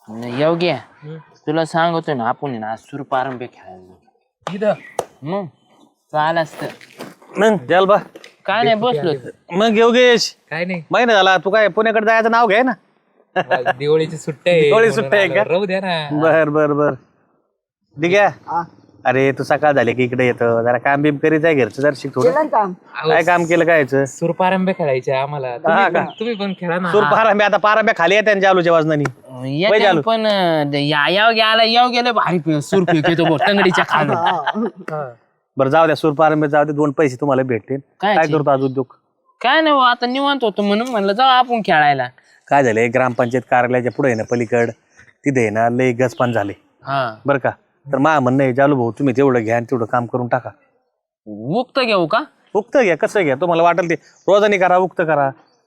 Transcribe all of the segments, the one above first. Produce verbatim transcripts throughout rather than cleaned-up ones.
योग्य तुला सांगतो ना आपण ना सूरपारंब्या खेळायला इथं मग चाल असत मग जाल बा काय नाही बसलो मग योगेश काय नाही महिना झाला तू काय पुण्याकडे जायचं नाव घे ना दिवाळीची सुट्ट्या आहे दिवाळी सुट्ट्या आहे का? राहू द्या ना. बर बर बर ठीक आहे. अरे तू सकाळ झाली की इकडे येतो जरा काम बिम करीत आहे घरचं जरा शिक थोडं काय काम केलं काय याचं? सूरपारंब्या खेळायच्या आम्हाला हा तुम्ही का? पण- तुम्ही पण खेळा ना. सूर पारांब्या आता पारांब्या खाली येते जालूच्या वाजनानी वय येते झालं. पण अं, या याव गेला याव गेलं भारी पे- सूर फेकतो बघ टंगडीच्या खाली हा. बरं जाऊ द्या सूर पारांब्या जाऊ दे दोन पैसे तुम्हाला भेटतील काय काय ची? करतो आज उद्योग काय नाही भाऊ, आता निवांत होतो म्हणून म्हणलं जाऊ आपण खेळायला. काय झालंय ग्रामपंचायत कार्यालयाच्या पुढे आहे ना पलीकड तिथे आहे ना लय गजपान झाले हा बरं का तर मा म्हणणं आहे जालू भाऊ तुम्ही तेवढं घ्या आणि तेवढं काम करून टाका. उक्त घेऊ का? उक्त घ्या कसं घ्या तुम्हाला वाटेल ते रोजानी करा उक्त करा.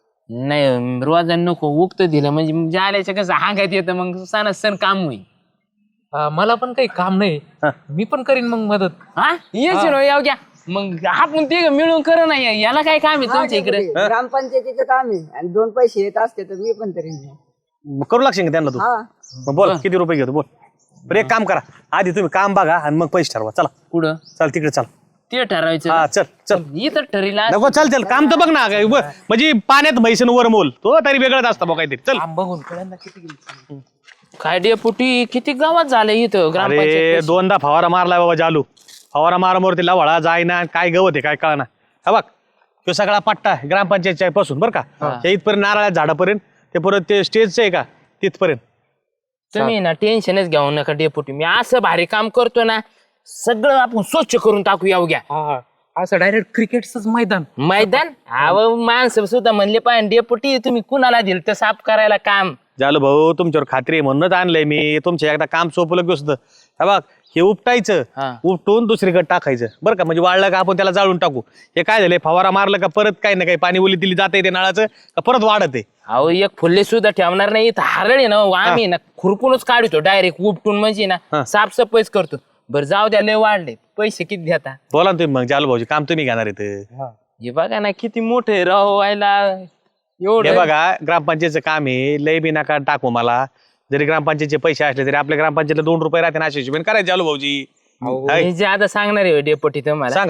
नाही रोजा नको उक्त दिलं म्हणजे जाल्याचं कसं हांगायत येतं मग सण सण काम होईल. हा, मला पण काही काम नाही हा. मी पण करीन मग मदत. हा येशील हो, याव घ्या मग आपण ते मिळून करू नाही याला काय काम आहे तुमच्या इकडे? ग्रामपंचायतीचं काम आहे आणि दोन पैसे येत असते तर मी पण तरी मग करू लागशील का त्यांना तू हा मग बोल किती रुपये घेतो बोल. बरं एक काम करा आधी तुम्ही काम बघा आणि मग पैसे ठरवा चला कुठं चल तिकडे चल ते ठरवायचं हा चल चल इथं ठरीला नको चल चल काम तर बघ ना काय उभं. म्हणजे पाण्यात म्हैसन वर मोल तो तरी वेगळंच असतं बघ काहीतरी चल. काम बघून कळलं किती गेली. काय डेपुटी किती गावात झालं इथं अरे ग्रामपंचायत? दोनदा फवारा मारलाय बाबा जालू फवारा मारामोर लवळा जायना काय गवत आहे काय कळना हा बघ तो सगळा पट्टा आहे ग्रामपंचायतच्या पासून बरं का त्या इथपर्यंत नारळा झाडापर्यंत ते परत ते स्टेजचं आहे का तिथपर्यंत. तुम्ही ना टेन्शनच घेऊ नका डेपुटी मी असं भारी काम करतो ना सगळं आपण स्वच्छ करून टाकू याव घ्या. हा असं डायरेक्ट क्रिकेटच मैदान. मैदान अहो माणसं सुद्धा म्हणले पाहिजे डेपुटी तुम्ही कुणाला दिलं तर साफ करायला काम. जालू भाऊ तुमच्यावर खात्री आहे म्हणूनच आणलंय मी तुमच्या एकदा काम सोपलं की असतं हा बघ हे उपटायचं हा. उपटून दुसरीकडे टाकायचं बरं का म्हणजे वाळलं का आपण त्याला जाळून टाकू. हे काय झालंय फवारा मारलं का परत काही ना काही पाणी ओली दिली जाते ते नळाचं का परत वाढत आहे. अहो एक फुल्ले सुद्धा ठेवणार नाही इथं हरळ आहे ना आम्ही ना खुरपूनच काढतो डायरेक्ट उपटून म्हणजे ना साफसफाईच करतो. बरं जाऊ द्या लय वाढले पैसे किती देता? बोला ना तुम्ही मग जालू भाऊजी काम तुम्ही घेणार इथं. हे बघा ना किती मोठे राव व्हायला हे एवढं बघा ग्रामपंचायतचं काम आहे लय बी नका टाकू मला जरी ग्रामपंचायतचे पैसे असले तरी आपल्या ग्रामपंचायतला दोन रुपये राहते ना अशी हिशोबाने करायचे जालू भाऊजी. हाय, मी जे आता सांगणार आहे डेपुटी तुम्हाला सांगा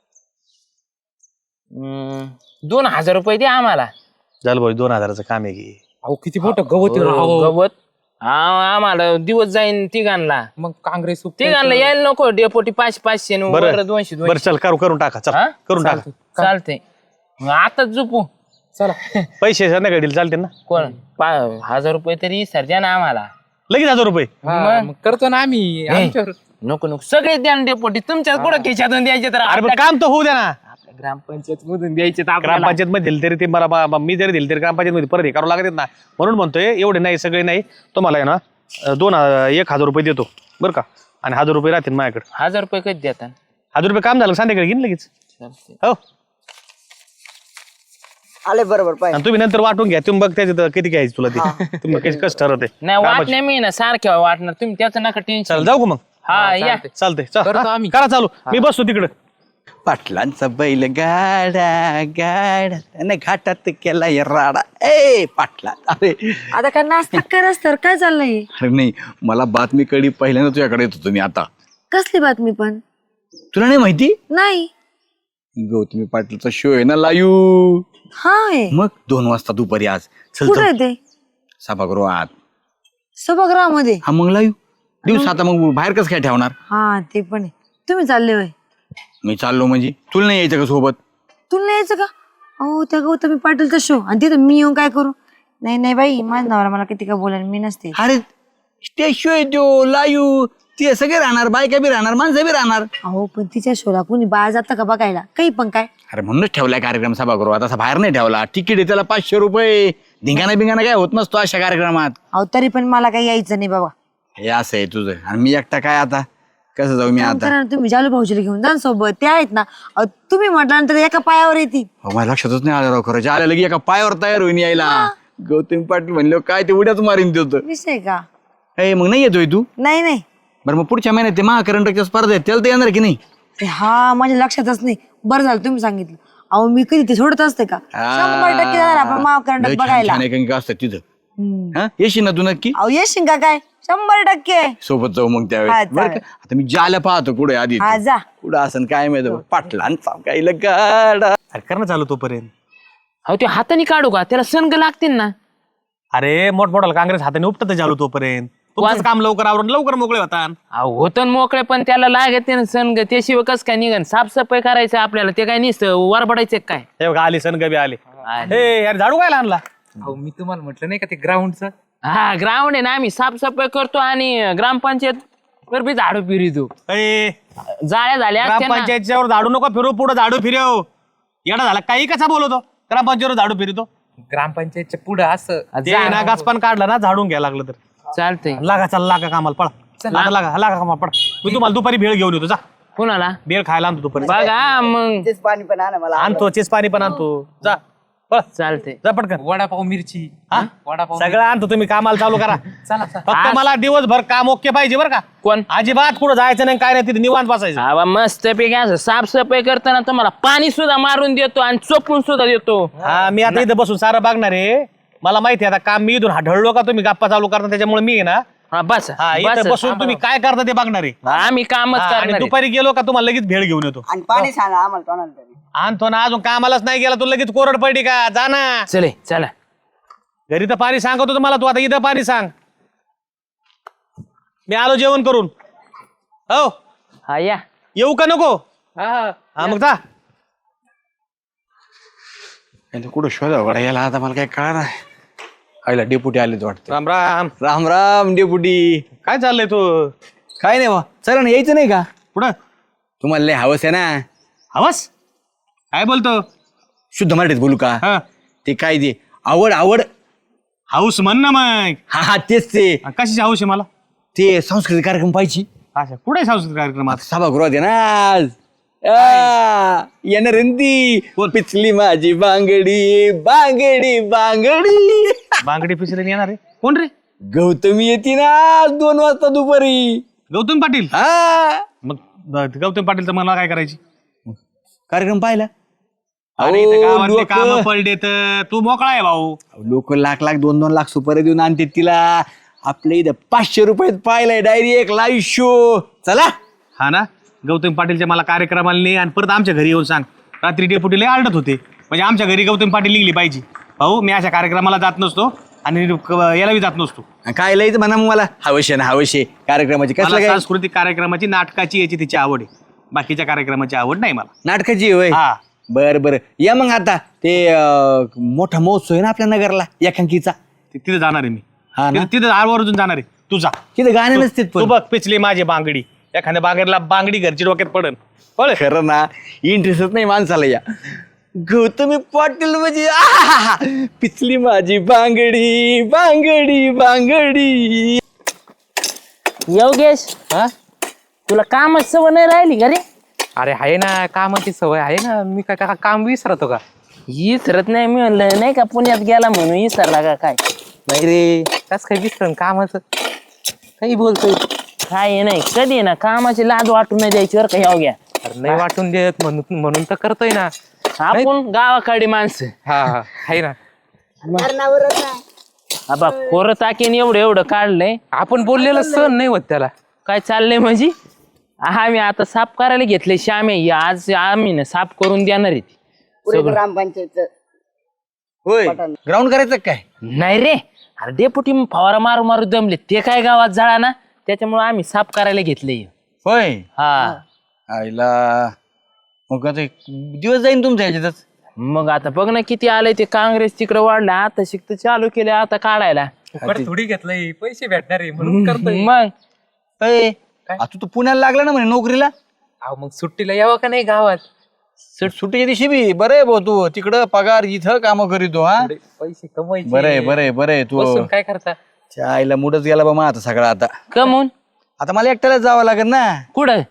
हम्म, दोन हजार रुपये द्या आम्हाला. जालू भाऊजी दोन हजाराचं काम आहे की अहो किती मोठं गवत आहे राव. हो, गवत हा आम्हाला दिवस जाईन तिघांना मग काँग्रेस तिघांना यायला नको डेपोटी पाचशे पाचशे न वर बरं दोनशे बरं दोनशे चल करू करून टाका चल हा? करून टाका चालतंय मग आता झोपू चला. पैसे संध्याकाळी दिले चालते ना कोण पा- हजार रुपये तरी सर द्या ना आम्हाला. लगेच हजार रुपये. हा, मग करतो ना आम्ही आमच्यावर. नको नको सगळे द्या ना डेपोटी तुमच्या कुठं खिशातून द्यायचे तर अरे पण आपल्या काम तर होऊ द्या ना आपल्या ग्रामपंचायत मधून द्यायचे तर आपल्याला. ग्रामपंचायत मध्ये दिले तरी ते मला बा- बा- मी जरी दिले तरी ग्रामपंचायत मध्ये परत हे करावं लागत ना म्हणून म्हणतोय एवढे नाही सगळे नाही तुम्हाला आहे ना अं, दोन हजार- एक हजार रुपये देतो बरं का आणि हजार रुपये राहतील माझ्याकडे. हजार रुपये कधी देता? हजार रुपये काम झालं संध्याकाळी घेईन लगेच चालतंय. हो आले बरोबर पाहिजे. आणि तुम्ही नंतर वाटून घ्या तुम्ही बघ त्याच्यात किती घ्यायचं तुला ते तुम्ही कसं कसं ठरवते. नाही वाटण्या मी ना सारख्या वाटणार तुम्ही त्याचं नका टेन्शन. चल जाऊ का मग हा या चालतंय चल, करतो हा, आम्ही. करा चालू मी बसतो तिकडं. पाटलांचा बैल गाडा गाडा त्याने घाटात केला राडा ए पाटला अरे आता काय नाश्ता करस तर काय चाललंय? अरे नाही मला बातमी कळली पहिल्यांदा तुझ्याकडे येत होतो मी आता. कसली बातमी पण? तुला नाही माहिती नाही. गौतमी पाटलाचा शो आहे ना लायू हाय मग दोन वाजता दुपारी आज चल कुठे चल. ते सभागृहात सभागृहामध्ये? हा मग लायू दिवस आता मग बाहेर कसं काय ठेवणार. हा ते पण आहे. तुम्ही चालले होय? मी चाललो म्हणजे तुला नाही यायचं का सोबत. तुला नाही यायचं का? अहो त्या गौतमी पाटीलचा शो आणि तिथं मी येऊन काय करू? नाही नाही बाई माझ्या नवरा मला किती का बोला मी नसते. अरे स्टेज शो आहे तो लायू ते सगळे राहणार बायका बी राहणार माणसं बी राहणार. अहो पण तिच्या शोला कोणी बाहेर जातं का बघायला? काही पण काय अरे म्हणूनच ठेवलाय कार्यक्रम सभागृहात असा बाहेर नाही ठेवला. तिकीट आहे त्याला पाचशे रुपये धिंगाणा बिंगाणा काय होत नसतो अशा कार्यक्रमात. अहो तरी पण मला काही यायचं नाही बाबा. हे असं आहे तुझं आणि मी एकटा काय आता कसं जाऊ मी काम आता. करा ना तुम्ही जालू भाऊजीला घेऊन जा ना सोबत ते आहेत ना. अहो, तुम्ही म्हटल्यानंतर एका पायावर येतील. अहो, माझ्या लक्षातच नाही आलं राव खरं आल्या लगे एका पायावर तयार होईन यायला. गौतमी पाटील म्हणले काय ते उड्याच मारीन ते होतं. विषय का? ए मग नाही येतोय तू. नाही नाही बरं मग पुढच्या महिन्यात ते महाकरंडकच्या स्पर्धा आहेत त्याला तर येणार की नाही. ते हा माझ्या लक्षातच नाही. बरं झालं तुम्ही सांगितलं. अहो मी कधी ते सोडत असते का? शंभर टक्के जाणार आपण माव कर्नाटक लय छान बघायला. छान एकांकिका असतात तिथं हा येशील ना तू नक्की अहो येशील का काय शंभर टक्के सोबत जाऊ मग हा, त्यावेळेस बरं का चालेल. आता मी ज्याला पाहतो कुठे आधी हा जा कुठं असं काय माहित पाटलांचा काही गाडा अरे कर ना चालू तोपर्यंत. अहो ते हाताने काढू का त्याला संग लागतील ना. अरे मोठमोठाला काँग्रेस हाताने उपटत चालू तोपर्यंत तुमचंच काम लवकर आवरून लवकर मोकळे होता. अहो होतं ना मोकळे पण त्याला लागते ना संग त्याशिवाय कसं काय निघन साफसफाई करायचं आपल्याला ते काय नसतं वरबडायचं काय. हे बघा आली सनगबी आले. आले. हे यार झाडू काय आणला. अहो मी तुम्हाला म्हटलं नाही का ते ग्राउंडचं हा ग्राउंड आहे ना आम्ही साफसफाई करतो आणि ग्रामपंचायत वर बी झाडू फिरतो. ए, जाळ्या झाल्या असत्या ना. ग्रामपंचायतच्या वर झाडू नको फिरू पुढे झाडू फिरव. येडा झाला काही कसा बोलवतो ग्रामपंचायतीवर झाडू फिरतो. ग्रामपंचायतच्या पुढं असं ते ना गाचपान काढलं ना झाडून घ्यायला लागलं तर चालतंय. लागा चल लागा कामाला पळा लागा लागा लागा कामाला पळा. मी तुम्हाला दुपारी भेळ घेऊन येतो जा. कुणाला भेळ खायला आणतो दुपारी. बघा मग तेच पाणी पण आणा मला आणतो चेस पाणी पण आणतो जा पळ चालतंय. जा पटकन. वडापाव मिरची हा? वडापाव सगळं आणतो तुम्ही कामाला चालू करा. चला चला फक्त मला दिवसभर काम ओके पाहिजे बरं का. कोण अजिबात कुठं जायचं नाही काय नाही तिथे निवांत बसायचं. बाबा मस्त पैकी असं साफसफाई करताना तुम्हाला पाणी सुद्धा मारून देतो आणि चोपून सुद्धा देतो. हा मी आता इथं बसून सारं बघणार आहे. मला माहिती आहे आता काम मी इथून ढळलो का तुम्ही गप्पा चालू करता त्याच्यामुळे मी आहे ना हा बस हा इथं बसून तुम्ही काय करता ते बघणार आहे. आम्ही कामच हा, आणि करणार आहे. दुपारी गेलो का तुम्हाला लगेच भेळ घेऊन येतो. आणि पाणी सांगा आम्हाला कोणाला तरी आणतो ना अजून कामालाच नाही गेला तू लगेच कोरड पडली का जा ना. चले चला घरी तर पाणी सांगतो तुम्हाला तू आता इथं पाणी सांग. मी आलो जेवण करून. हो हा या येऊ का नको. हा हा मग जा. कुठं शोधा गड्या याला आता मला काय कळणार नाही. आईला डेपुटी आले वाटतं. राम राम. राम राम डेपुटी. काय चाललंय तू काय नाही बा चला ना यायचं नाही का पुढं तुम्हाला लय हवस आहे ना. हवस काय बोलतो. शुद्ध मराठीत बोलू का हा ते काय ते आवड आवड हाऊस म्हण ना मग. हा हा तेच ते कशाची हाऊस आहे मला. ते सांस्कृतिक कार्यक्रम पाहिजे अच्छा कुठे सांस्कृतिक कार्यक्रमात. आता सभागृहात आहे ना आज आ, येणार आहे ना ती पिचली माझी बांगडी बांगडी बांगडी बांगडी पिचले येणार आहे कोण रे. गौतमी येते ना आज दोन वाजता दुपारी. गौतम पाटील. हा मग ब- गौतम पाटीलचं मला काय करायची. कार्यक्रम पाहिला अरे इथं गावातले लोक काम पडले तर तू मोकळा आहे भाऊ. लोक लाख लाख दोन दोन लाख सुपारी देऊन आणते तिला. आपल्या इथं पाचशे रुपयात पाहिलाय डायरी एक लाईव्ह शो. चला हा ना गौतम पाटीलच्या मला कार्यक्रमाला नाही आणि परत आमच्या घरी येऊन सांग. रात्री डेपुटीला आलडत होते म्हणजे आमच्या घरी गौतम पाटील निघली पाहिजे. भाऊ मी अशा कार्यक्रमाला जात नसतो आणि क- याला बी जात नसतो. काय लयच म्हणा मग मला हवशे ना हवशे कार्यक्रमाची मला कसलं काय सांस्कृतिक कार्यक्रमाची नाटकाची याची तिची आवड आहे. बाकीच्या कार्यक्रमाची आवड नाही मला. नाटकाची होय हा बर बर या मग आता ते अं, मोठा महोत्सव आहे ना आपल्या नगरला एकांकीचा. ति- तिथे जाणार आहे मी. हा ना तिथे- तिथे आरवरून जाणार आहे. तू जा. तिथे गाणे नसते तू बघ पिचली माझी बांगडी एखाद्या बागेरला बांगडी घरची डोक्यात पडन पळ. खरं ना इंटरेस्टच नाही माणसाला या गौतमी पाटील म्हणजे आहाहा, पिचली माझी बांगडी बांगडी बांगडी. योगेश हा तुला कामच सवय नाही राहिली का रे. अरे आहे ना कामाची सवय आहे ना मी काय का काम विसरतो का. विसरत नाही मी म्हणलं नाही का पुण्यात गेला म्हणून विसरला का काय. नाही रे कस काय विसरण कामाचं काही बोलतोय. काय नाही कधी आहे ना कामाची लाज वाटून नाही द्यायची बरं का योग्या. अरे नाही वाटून देत म्हणून म्हणून तर करतोय ना. आपण गावाकडे माणसं हा हा आहे ना करणारच नाही. आबा खोरं ताकीन एवढं एवढं काढलंय. आपण बोललेलं सण नाही होत त्याला. काय चाललंय म्हणजे आम्ही आता साफ करायला घेतले श्यामे आज आम्ही ना साफ करून देणार आहे ती. पुढे ग्रामपंचायतचं होय ग्राउंड करायचं काय. नाही रे अरे डेपुटी फवारा मारू मारू दमले ते काय गावात जाळा ना त्याच्यामुळे आम्ही साफ करायला घेतले. होय हा आईला मग आता एक दिवस जाईन तुमच्या ह्याच्यातच. मग आता बघ ना किती आलंय ते काँग्रेस तिकडे वाढलं आता शिकत चालू केलं आता काढायला. फुकट थोडी घेतलंय पैसे भेटणार आहे म्हणून करतोय. मग अय, आ, तू तर पुण्याला लागला ना म्हणे नोकरीला. अहो मग सुट्टीला यावं का नाही गावात. सुट सुट्टीच्या दिवशी बी बरं आहे भाऊ तू तिकडं पगार इथं काम करीतो हा. थोडे पैसे कमवायचे. बरं आहे बरं आहे बरं आहे तू. बसून काय करता. त्या आईला मुडच गेला बा मग आता सगळं आता. कमून आता मला एकट्यालाच जावं लागेल ना. कुठं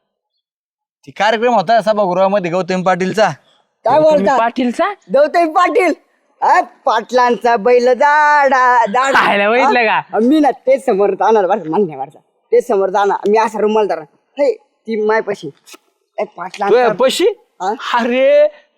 ती कार्यक्रम होता सभागृहामध्ये गौतम पाटीलचा. काय तुम्ही बोलता पाटीलचा गौतमी पाटील अ, पाटलांचा बैल दाडा दाडा खायला बघितलं का? हा? मी ना तेच समोर जाणार बरं मला नाही वाटत तेच समोर जाणार मी असा रुमाल धरा हे ती मायपाशी ए, पाटलांचा पशी हा? अरे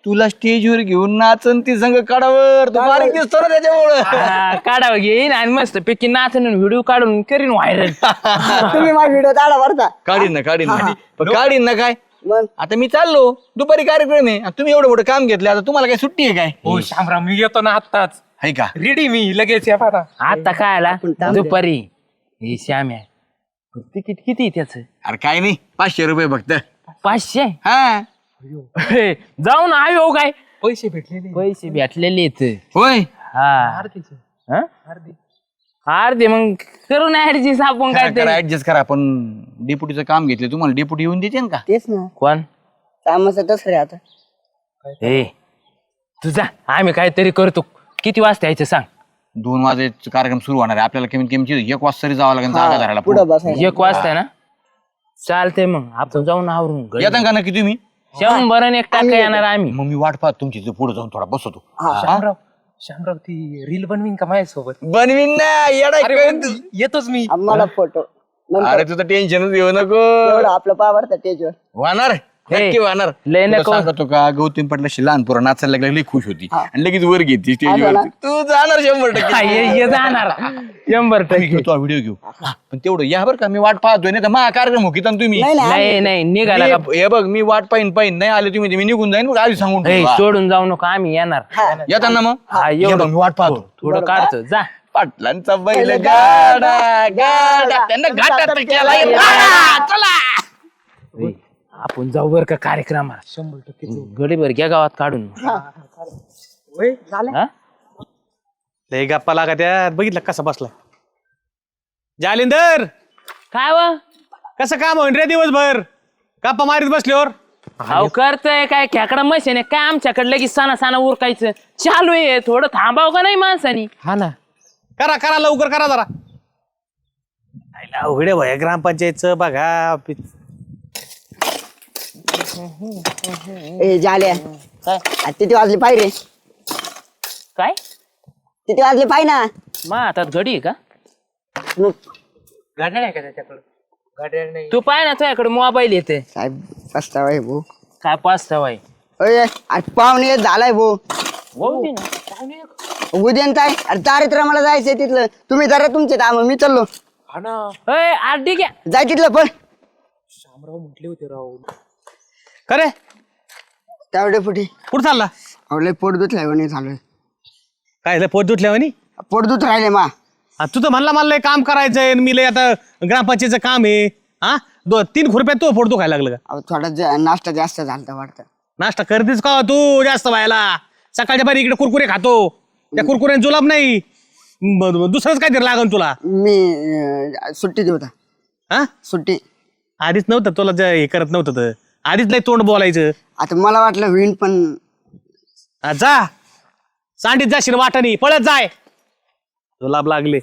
तुला स्टेजवर घेऊन नाचन ती संग काढावर तू बारीक दिसतो ना त्याच्यामुळं हा, काढावं घेईन आणि मस्त पैकी नाचून व्हिडिओ काढून करीन व्हायरल. तुम्ही माझा व्हिडिओ काढा भरता काढीन ना काढीन ना पण काढीन ना काय मग आता मी चाललो दुपारी कार्यक्रम आहे आणि तुम्ही एवढं मोठं काम घेतलं आता तुम्हाला काय सुट्टी आहे काय हो शामराव मी येतो ना आत्ताच आहे का रेडी मी लगेच या आता आता काय आला दुपारी हे श्याम्या तिकीट किती त्याच अरे काय नाही पाचशे रुपये फक्त पाचशे हा हे, जाऊन आयो काय पैसे भेटलेले पैसे भेटलेले आहेत. होय हा हा? अर्धे मग करू ना ऍडजस्ट आपण काय करा ऍडजस्ट करा पण डेप्युटीचं काम घेतलं तुम्हाला डेप्युटी येऊन देते का तेच ना कोण कामाचं तसं रे आता हे तुझा आम्ही काहीतरी करतो. किती वाजता यायचं सांग. दोन वाजेचा कार्यक्रम सुरू होणार आहे आपल्याला कमीत कमी एक वाजता तरी जावं लागेल जागा धरायला पुढं बसायला एक वाजता ना चालतंय मग आपण जाऊन आवरून घरी. येतात का नक्की तुम्ही शंभर आणि एक टाका येणार आम्ही. मग मी वाट पाहत तुमची पुढे जाऊन थोडा बसवतो शामराव शामराव ती रील बनवीन का माझ्यासोबत बनवीन ना येडा अरे काय पण तू? येतोच मी आम्हाला फोटो अरे तुझं टेन्शनच घेऊ नको एवढं आपलं पाय भरता स्टेजवर वाहणार नक्की वाहणार लय तुला नको. सांगतो का गौतम पाटलाशी लहान पोरं नाचायला लागली लई खुश होती आणि लगेच वर घेतली स्टेजवर तू जाणार शंभर हा, टक्के ये ये जाणार शंभर मी टक्के. घेतो व्हिडिओ घेऊ पण तेवढं या बरं का मी वाट पाहतोय नाही तर मा कार्यक्रम हो की तुम्ही नाही नाही नाही नाही निघाला का मी- हे बघ मी वाट पाहिन पाहिन नाही आले तुम्ही तर मी निघून जाईन बघ, आधी सांगून हे, ठेवा. सोडून जाऊ नको आम्ही येणार. येताना मग हा, ये एवढं. बघ, मी वाट पाहतो थोडं काढतो जा. पाटलांचा बैल गाडा गाडा त्यांना घाटात केला चला हे, आपण जाऊ बर का कार्यक्रमाला शंभर टक्के गडीभर घ्या गावात काढून. हा? लय गप्पा लागा त्यात बघितलं कसा बसला जालिंदर काय व कसं काम होईन रे दिवसभर गप्पा मारीत बसल्यावर अहो करतय काय खेकडा मशीन आहे काय आमच्याकडे लगेच साना साना उरकायचं चालू आहे. थोडं थांबाव का नाही माणसानी. हा ना करा करा लवकर करा जरा अवघडे भय ग्रामपंचायतचं बघा ए झाल्या काय किती वाजले पाहिजे रे काय किती वाजले पाहिजे ना मा हातात घडी आहे का. मग गाड्या नाही का त्याच्याकडं गाड्या नाही तू पाय ना तुझ्याकडे मोबाईल येते साहेब पस्तावा आहे भाऊ काय पाच सवाय अरे आज पाहुणे एक झालाय भाऊ उद्या काय अरे चारित्र मला जायचंय तिथलं तुम्ही जरा तुमचे काम मी चाललो हा ना आठ ठीक आहे. जाय तिथलं पण शामराव म्हटले होते राव खरे त्यावेळे पुढे कुठं चालला आवले पोट दुखलाय म्हणे झालोय काय पोट दुखल्यावानी पोट दुख राहिले मा तू तर म्हणला मला लय काम करायचंय आणि मी लय आता ग्रामपंचायतचं काम आहे हा दो तीन खुरप्यात तो पोट दुखायला लागलं का अहो थोडा जा- नाश्ता जास्त झालता वाटतं नाश्ता करतेस का तू जास्त व्हायला सकाळच्या बारी इकडे कुरकुरे खातो त्या कुरकुऱ्याने जुलाब नाही ब- ब- दुसरंच काहीतरी लागन तुला मी अं, सुट्टी देऊ होता हा सुट्टी आधीच नव्हतं तुला जे हे करत नव्हतं तर आधीच लय तोंड बोलायचं आता मला वाटलं होईन पण हा, जा सांडीत जाशील वाटानी पळत जाय जुलाब लागले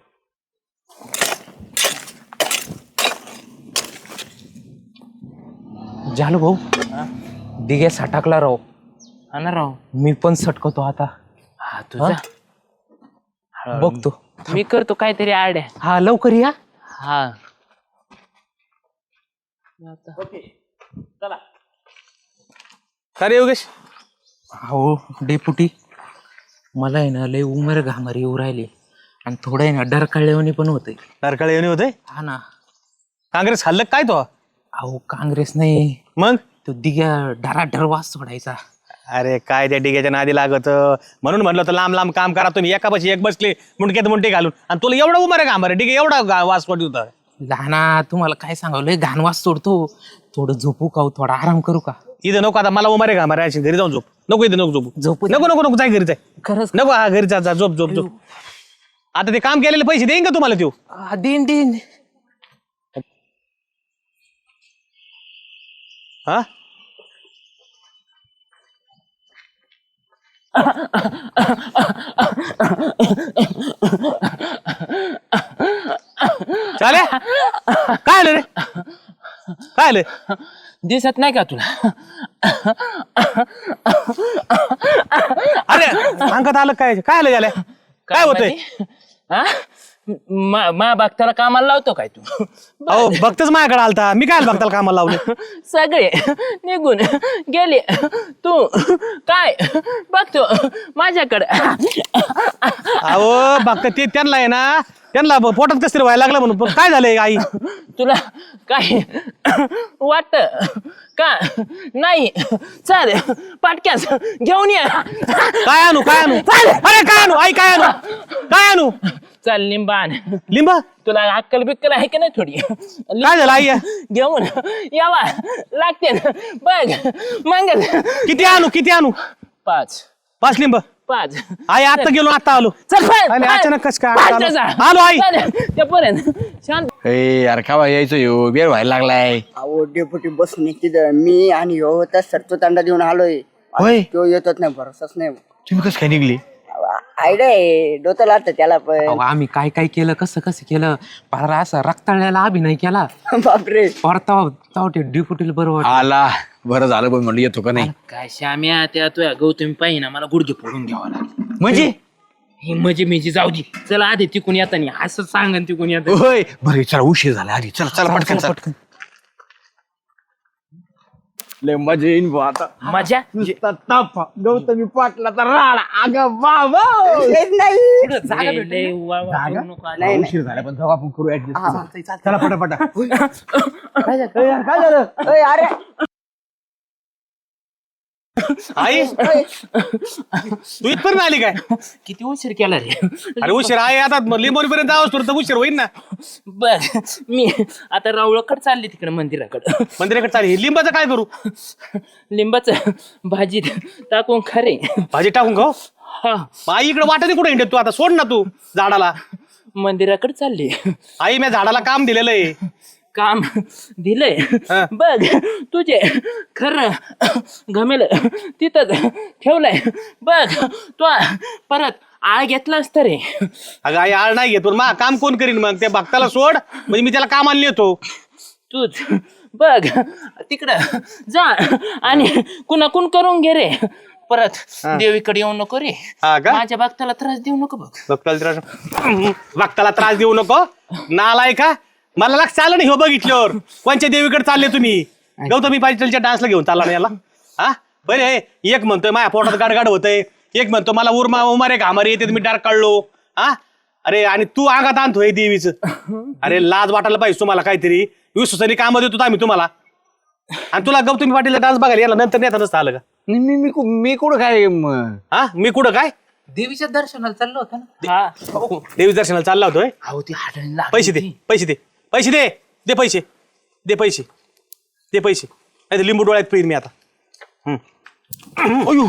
झालो भाऊ दिघे सटाकला राव हा ना राव. मी पण सटकतो आता हा तुझा बघतो मी करतो काहीतरी आड्या. हा लवकर या हा का रे योगेश हो डेपुटी मला आहे ना लय उमर घामारी येऊ राहिली आणि थोडं आहे ना डरकाळलेवणी पण होते तारकाळे येणे होते हा ना काँग्रेस हल्लं काय तो अहो काँग्रेस नाही मग तो दिघ्या डराडर वास सोडायचा अरे काय त्या डिग्याच्या नादी लागत म्हणून म्हणलं तर लांब लांब काम करा तुम्ही एका पाशी एक बसले मुंडक्यात मुंडे घालून आणि तुला एवढा उमर आहे का आम्हाला डिगे एवढा गा- वास पडली होता लहाना तुम्हाला काय सांगावं लय घाण वास सोडतो थोडं झोपू का हो, थोडा आराम करू का इथं नको आता मला उमर आहे का आम्हाला अशी घरी जाऊन झोप नको इथं नको झोपू झोपू नको नको नको जाय घरी जाय खरंच नको हा घरी जा जा झोप झोप झोप आता ते काम केलेले पैसे देईन का तुम्हाला त्यो आ, दिन दिन हा चाले काय आलं रे काय आलं दिसत नाही का तुला. अरे अंगात आलं काय काय आलं झालं काय होतंय हा मा बघताला कामाला लावतो काय तू अहो भक्तच माझ्याकडे आलता, मी काय भक्ताला कामाला लावले? सगळे निघून गेले, तू काय बघतो माझ्याकडे. अहो भक्त ते त्यांना आहे ना, त्यांना पोटात कसं तरी व्हायला लागलं म्हणून. पण काय झालंय आई? तुला काय वाटत का नाही? चाल पाटक्यास घेऊन ये. काय आणू काय आणू अरे काय आणू आई काय आणू काय आणू? चाल लिंबा आण. लिंब तुला अक्कल बिक्कल आहे का नाही थोडी? काय झालं आई? घेऊन यावा लागते ना बघ मंगल. किती आणू किती आणू? पाच पाच लिंब पाच. आई आता गेलो आता आलो. चल पळ, आणि पळ. अचानक कसं काय पाच आलो? जा. आलो आई. चालेल, त्यापर्यंत शांत. ए यार खावा यायचो यो बेर व्हायला लागलाय. अहो डेपुटी बसून तिथं मी आणि ह्यो त्या सरतो तांडा देऊन आलोय. होय तो येतच नाही, भरोसाच नाही. तुम्ही कसं काय निघली? आयडिया आहे, डोतं लागतं त्याला पण. अहो, आम्ही काय काय केलं कसं कसं केलं पारा असा रक्ताळ्याला अभिनय केला बापरे. परताव ते ड्युटीला बरोबर आला बरं झालं पण म्हणलं येतो का नाही. काय श्याम्या त्या तुझ्या गौतमी पाहिजे ना मला गुडघे फोडून घ्यावा लागले. म्हणजे हे म्हणजे मेजी जाऊ दे. चला आधी तिकून येताना असं सांगन तिकून येत. होय बरं चला उशीर झाला आधी चला चला पटकन पटकन. लय मजा येईन बुवा आता. मजा गौतमी पाटलाचा राडा अगं बाबा. हेच नाही. लय- लय वा- वा- करू नको आधी. उशीर झाला पण जाऊ आपण करू ऍडजस्ट. चला पटापटा. काय झालं? अय, अरे आई तू इथपर्यंत आली काय? किती उशीर केला रे. अरे उशीर आहे आता लिंबोरीपर्यंत जावंच तर उशीर होईल ना. बर मी आता रावळकड चालली तिकडे मंदिराकडे. मंदिराकडे चालेल. लिंबाचं काय करू? लिंबाच भाजीत टाकून खरे. भाजी टाकून खाऊ. हा मग आई इकडे वाटत कुठे हिंडत तू? आता सोड ना तू झाडाला. मंदिराकडे चालली. आई मी झाडाला काम दिलेलं आहे. काम दिलंय हा. बघ तुझे खरं घमेल तिथंच ठेवलंय बघ. तू परत आळ घेतलास तर रे. अगं आई आळ नाही घेत पण मा काम कोण करीन मग? त्या भक्ताला सोड म्हणजे मी त्याला कामाला नेतो. तूच बघ तिकडं जा आणि कुणाकून करून घे रे. परत देवीकडे येऊ नको रे. हा का? माझ्या भक्ताला त्रास देऊ नको बघ. भक्ताला त्रास भक्ताला त्रास देऊ नको. नालाय का? मला लक्ष आलं नाही हो बघितल्यावर. कोणच्या देवीकडे चालले तुम्ही? गौतमी पाटीलच्या डान्सला घेऊन चालला ना याला? हा बरे एक म्हणतोय माझ्या पोटात गाडगाड होतंय, एक म्हणतो मला उरमा उमारे घामारे येते मी डार्क काढलो. हा अरे आणि तू अंगात आणतोय देवीचं. अरे लाज वाटायला पाहिजे तुम्हाला काहीतरी. विश्वासाने काम देतो आम्ही तुम्हाला. आणि तुला गौतमी पाटीलचा डान्स बघायला याला नंतर नेता नसतं आलं का? मी मी कु- मी कुठं काय म- हा मी कुठं काय देवीच्या दर्शनाला चाललो होतो ना. हा देवी दर्शनाला चालला होतोय. अहो ती हाडण लागली. पैसे दे पैसे दे पैसे दे दे पैसे दे पैसे दे पैसे नाही तर लिंबू डोळ्यात पिईन मी आता. हम्म. अयो.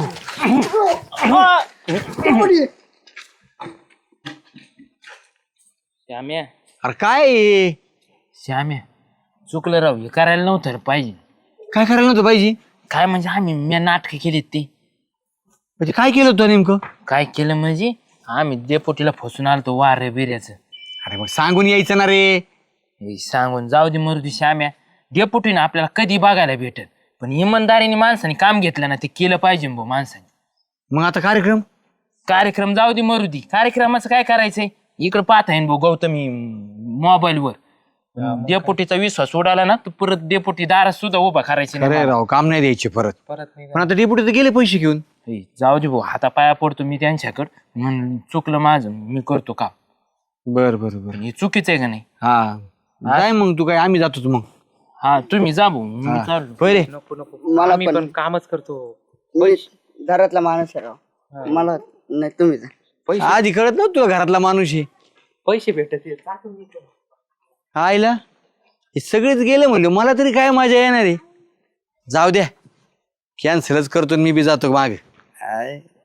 श्याम्या अरे काय आहे? श्याम्या चुकलं राव. हे करायला नव्हतं रे पाहिजे. काय करायला नव्हतं पाहिजे? काय म्हणजे आम्ही मी नाटकं केलीत ती. म्हणजे काय केलं होतं नेमकं? काय केलं म्हणजे आम्ही देपोटीला फसून आलतो वारे बिऱ्याचं. अरे मग सांगून यायचं ना रे. हे सांगून जाऊ दे मरुदी श्याम्या. डेपुटीनं आपल्याला कधी बघायला भेटल पण इमानदारीने माणसाने काम घेतलं ना ते केलं पाहिजे भाऊ माणसाने. मग आता कार्यक्रम कार्यक्रम जाऊ दे मरुदी. कार्यक्रमाचं काय करायचंय इकडं पाहता येईन भाऊ गौतमी मोबाईलवर. डेपुटीचा विश्वास उडाला ना तर परत डेपुटी दारात सुद्धा उभा करायचे अरे नाही. राव काम नाही द्यायचे परत. पण आता डेपुटी तर गेले पैसे घेऊन. हे, जाऊ दे भाऊ हाता पाया पडतो मी त्यांच्याकडं. म्हणून चुकलं माझं मी करतो काम. बर बर बर. हे चुकीचं आहे का नाही? हा काय मग तू काय आम्ही जातोच मग. हा तुम्ही जा भाऊ मी चाललो. पहिले मला आम्ही पण पण कामच करतो. मी घरातला माणूस आहे राव. मला नाही, तुम्ही जा. आधी कळत नव्हतं तुला घरातला माणूस आहे. पैसे भेटत आईला हे सगळेच गेले म्हणले मला तरी काय मजा येणार आहे. जाऊ द्या कॅन्सलच करतो मी बी जातो माग.